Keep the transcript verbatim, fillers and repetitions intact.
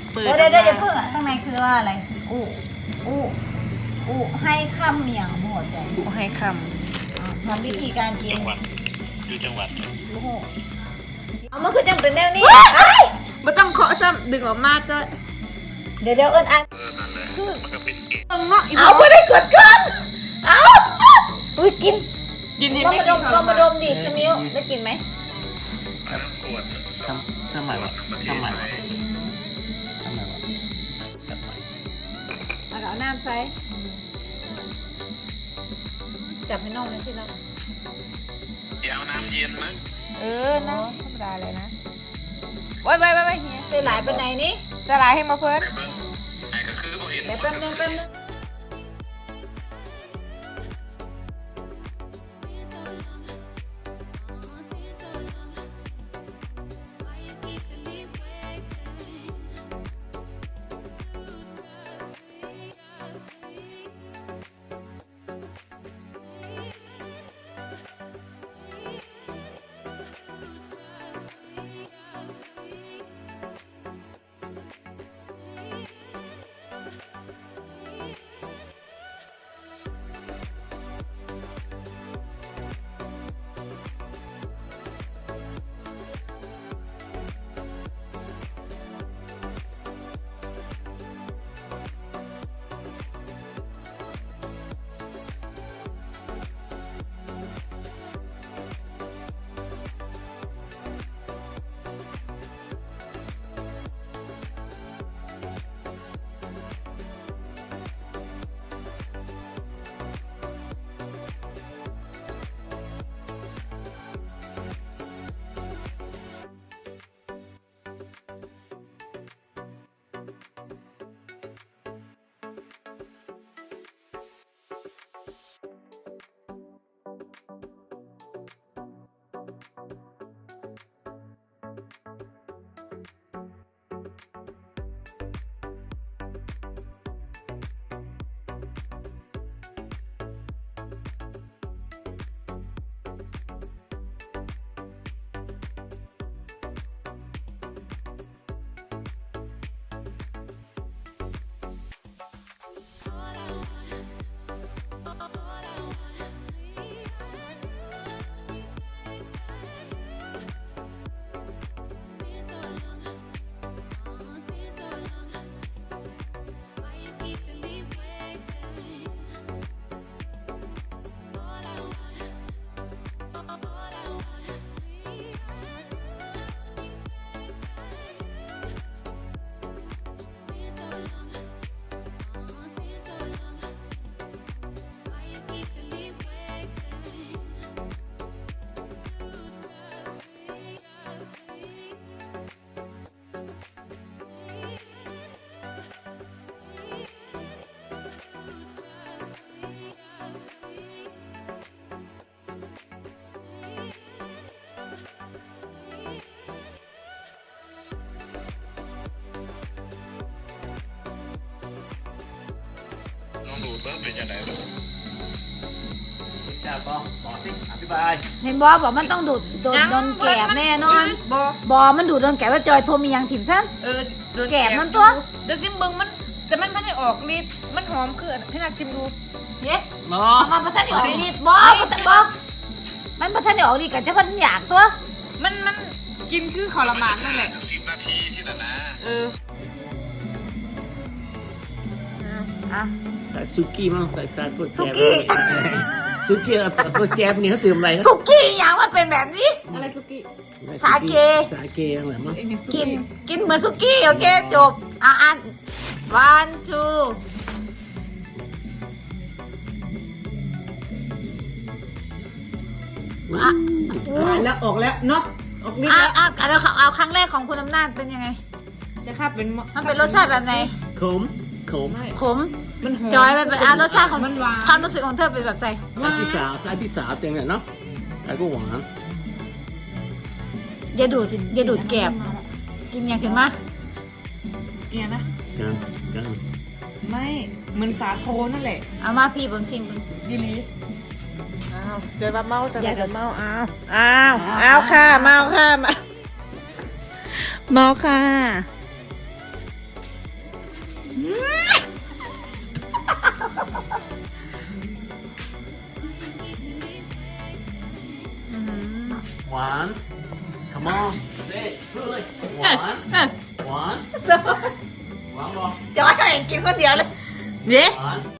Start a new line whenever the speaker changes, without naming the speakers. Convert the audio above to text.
เปิด
เดี๋ยวเดี๋ยวเดี๋ยวอย่าเพิ่งอ่ะข้างในคือว่าอะไรอู้อู้อู้ให้คำเมียงหัวใจ
บุให้ค
ทำวิธีการกิน
จังหวัดคือจังหวัด
โอ้โหเอามันคือจังเป็นแนวนี้
ำไม่ต้องเคาะซ้ำดึงออกมาจ้ะ
เดี๋ยวเดี๋ยวเอิญอัน
เออนั่นแหละมันก็เป็นเกม
ตรงเนาะ
เอาไม่ได้เกิดกันเอาอุ้ยกิน
กินให้
ลอง
ไม่
มาด
กิน
ม
ท
ล
ร
องมาด
มาม
ดิสมิวได้กินไหม
อันนั้นขวด
ทำทำไมวะทำไมวะทำไมวะทำไม
แล้วก็เอาน้ำใส่จับให้น้องเลยสินะ
อย่าเอาน้ำเย็นนะ
เออนะธรรมดาเลยนะไว้ไว้ไว้ไว้เฮีย
ใส่หลายไปไหนนี่
สลายให้มาเพิ่น
แต่เบิ้งไอ้ก็คือบ่เห็น
เดี๋ยวแป๊บนึงแป๊บนึง
ลองดูเบิ้งเป็นยังไงบ้าง
จ้าปอบอกสิอธิบาย
เห็นบอบอกมันต้องดูดโดนโดนแกบแน่นอน
บอบ
อมันดูดโดนแกบว่าจอยโทรมียังถิ่มสั้น
เออโดน
แกะมันตัว
จะจิ้มเบิ้งมันแต่มันไม่ได้ออกฤทธิ์มันหอมคือให้นักชิมดู
เย้
บอ
มาประทันได้ออกฤทธิ์บอประทันบอมันประทันได้ออกฤทธิ์กับเจ้าพันอยากตัว
มันมันกินคือขอรมานนั่นแหละ
สิบนาทีที่แต่นะ
เออ
อ่ะ
ใส่ซุกี้มั้งใส่ใส่พวกแจ
ซุกี้
ซุกี้พวกแจพวกนี้เขาตื่มอะไรนะ
สุกี้อย่างมันเป็นแบบนี้
อะไรสุกี้
สาเก
สาเกอะไรมั้ง
เอ็งเนี่ยสุ
กินกินเหมือนสุกี้โอเคจบอ่ะอ่ะ one two อ่ะ
แล้วออกแล้วเนาะออกฤทธิ์
อ่ะ
แล้ว
อ่ะเอาเอาครั้งแรกของคุณอำนาจเป็นยังไง
จะข้าเป็น
มันเป็นรสชาติแบบไหน
ขมขม
ขม
มันหอม
จอยมันเป็นอ่ะรสชาติของ
มันหวาน
ความรู้สึกของเธอเป็นแบบไง
ใส่พี่สาวใส่พี่สาวเต็มเลยเนาะใส่ก็หวาน
อย่าดูดอย่าดูดแกบกินอย่างถึงมา
เอียนะ
กันกัน
ไม่เหมือนสาโทนั่นแหละ
เอามาพี่เบิ่งชิมเบิ่ง
ดีลีอ้าวเดี๋ยวว่าเมาแต่เดี๋ยวเมาอ้าวอ้าวอ้าวค่ะเมาค่ะมาเมาค่ะ
หวาน come on say it พูดเลยหวานหวานหวานบอก
จะว่าให้กินคนเดียวเลย
เย้
หวาน